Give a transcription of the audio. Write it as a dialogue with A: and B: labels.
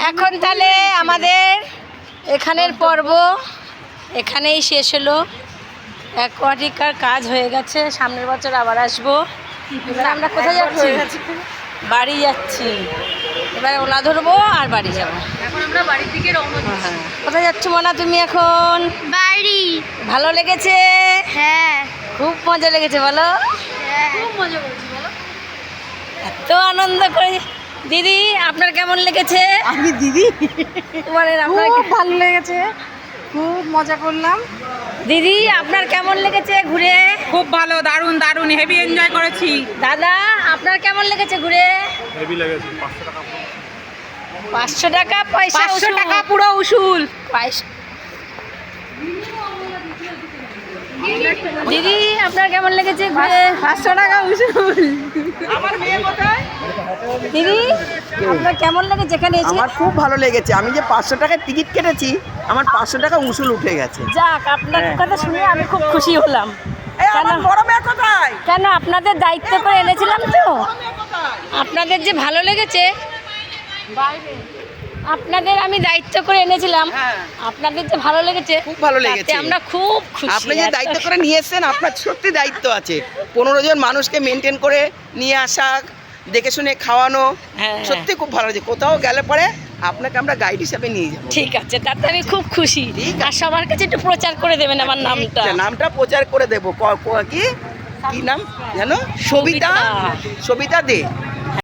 A: এখন তাহলে আমাদের এখানের পর্ব এখানেই শেষ হলো। অ্যাকোয়াটিকার কাজ হয়ে গেছে, সামনের বছর আবার আসবো। এবার আমরা কোথায় যাচ্ছি? বাড়ি যাচ্ছি। এবার ওলা ধরবো আর বাড়ি যাবো।
B: এখন আমরা বাড়ির দিকে রওনা দিচ্ছি।
A: কোথায় যাচ্ছ মনা তুমি এখন?
B: বাড়ি।
A: ভালো লেগেছে?
B: হ্যাঁ
A: খুব মজা লেগেছে বলো?
B: খুব মজা করছি বলো।
A: এত আনন্দ করে। দিদি আপনার কেমন লেগেছে?
C: আমি দিদি
A: মানে আপনার
C: খুব ভালো লেগেছে, খুব মজা করলাম।
A: দিদি আপনার কেমন লেগেছে ঘুরে?
C: খুব ভালো, দারুণ দারুণ, হেভি এনজয় করেছি।
A: দাদা আপনার কেমন লেগেছে ঘুরে?
D: হেভি লেগেছে।
A: 500 টাকা পয়সা
C: 500 টাকা পুরো উসুল।
A: দিদি আপনার কেমন লেগেছে ঘুরে?
C: 500 টাকা উসুল। আমার মেয়ে কোথায়?
A: দিদি আপনার কেমন লেগেছে এখানে এসে?
E: আমার খুব ভালো লেগেছে। আমি যে 500 টাকায় টিকিট কেটেছি, আমার 500 টাকা উসুল উঠে গেছে।
A: যাক, আপনার কথা শুনে আমি খুব খুশি হলাম।
C: এই আমার বড় মেয়ে কোথায়?
A: কেন আপনাদের দায়িত্ব করে এনেছিলাম তো। আপনাদের যে ভালো লেগেছে, আপনাদের আমি দায়িত্ব করে এনেছিলাম, আপনাদের যে ভালো লেগেছে
E: খুব ভালো লেগেছে।
A: তাতে আমরা খুব খুশি।
E: আপনি যে দায়িত্ব করে নিয়ে এসেছেন, আপনার সত্যি দায়িত্ব আছে। 15 জন মানুষকে মেনটেন করে নিয়ে আসা, দেখে শুনে খাওয়ানো,
A: হ্যাঁ।
E: সত্যি খুব ভালো লাগছে। কোথাও গেলে পরে আপনাকে আমরা গাইড হিসাবে নিয়ে যাবো।
A: ঠিক আছে, তাতে আমি খুব খুশি।
E: ঠিক আছে।
A: আর সবার কাছে একটু প্রচার করে দেবেন আমার নামটা।
E: নামটা প্রচার করে দেবো। কি নাম জানো? সবিতা, সবিতা দে।